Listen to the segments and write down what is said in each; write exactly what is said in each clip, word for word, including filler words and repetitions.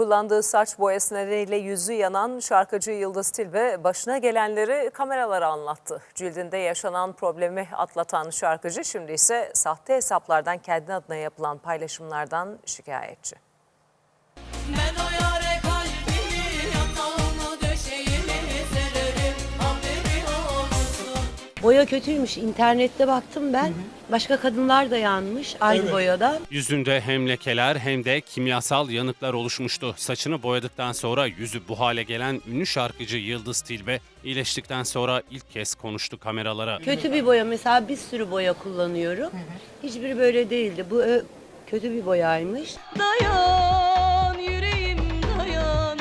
Kullandığı saç boyası nedeniyle yüzü yanan şarkıcı Yıldız Tilbe başına gelenleri kameralara anlattı. Cildinde yaşanan problemi atlatan şarkıcı şimdi ise sahte hesaplardan kendi adına yapılan paylaşımlardan şikayetçi. Ben o yâre kalbimi yatağına döşeğimi sererim, haberi olsun. Boya kötüymüş. İnternette baktım ben. Hı hı. Başka kadınlar da yanmış aynı evet. boyada. Yüzünde hem lekeler hem de kimyasal yanıklar oluşmuştu. Saçını boyadıktan sonra yüzü bu hale gelen ünlü şarkıcı Yıldız Tilbe iyileştikten sonra ilk kez konuştu kameralara. Kötü bir boya, mesela bir sürü boya kullanıyorum. Hı hı. Hiçbiri böyle değildi. Bu ö, kötü bir boyaymış. Dayan yüreğim dayan,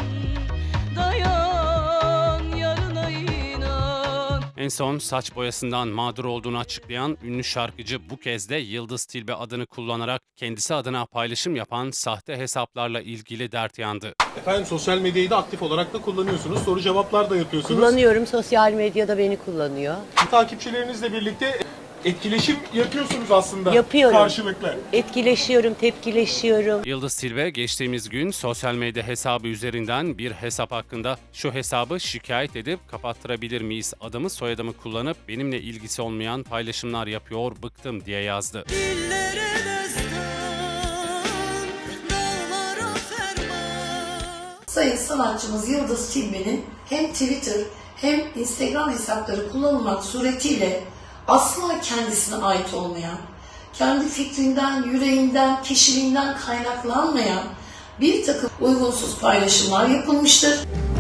dayan yarına inan. En son saç boyasından mağdur olduğunu açıklayan ünlü şarkıcı bu kez de Yıldız Tilbe adını kullanarak kendisi adına paylaşım yapan sahte hesaplarla ilgili dert yandı. Efendim sosyal medyayı da aktif olarak da kullanıyorsunuz. Soru cevaplar da yapıyorsunuz. Kullanıyorum. Sosyal medyada beni kullanıyor. Takipçilerinizle birlikte etkileşim yapıyorsunuz aslında. Yapıyorum. Karşılıklı. Etkileşiyorum, tepkileşiyorum. Yıldız Tilbe geçtiğimiz gün sosyal medya hesabı üzerinden bir hesap hakkında şu hesabı şikayet edip kapattırabilir miyiz? Adımı soyadımı kullanıp benimle ilgisi olmayan paylaşımlar yapıyor, bıktım diye yazdı. Dillere destan, dağlara ferman. Sayın sanatçımız Yıldız Tilbe'nin hem Twitter hem Instagram hesapları kullanılmak suretiyle asla kendisine ait olmayan, kendi fikrinden, yüreğinden, kişiliğinden kaynaklanmayan bir takım uygunsuz paylaşımlar yapılmıştır.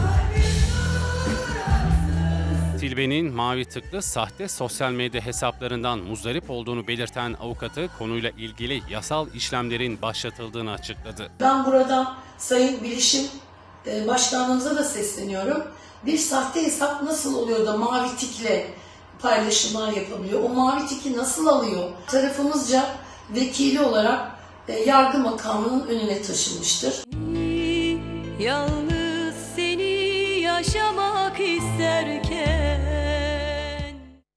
Tilbe'nin mavi tıklı sahte sosyal medya hesaplarından muzdarip olduğunu belirten avukatı konuyla ilgili yasal işlemlerin başlatıldığını açıkladı. Ben burada Sayın Bilişim Başkanlığımıza da sesleniyorum. Bir sahte hesap nasıl oluyor da mavi tikle paylaşımlar yapabiliyor? O mavi tiki nasıl alıyor? Tarafımızca vekili olarak yargı makamının önüne taşınmıştır. Yalnız seni yaşamak isterken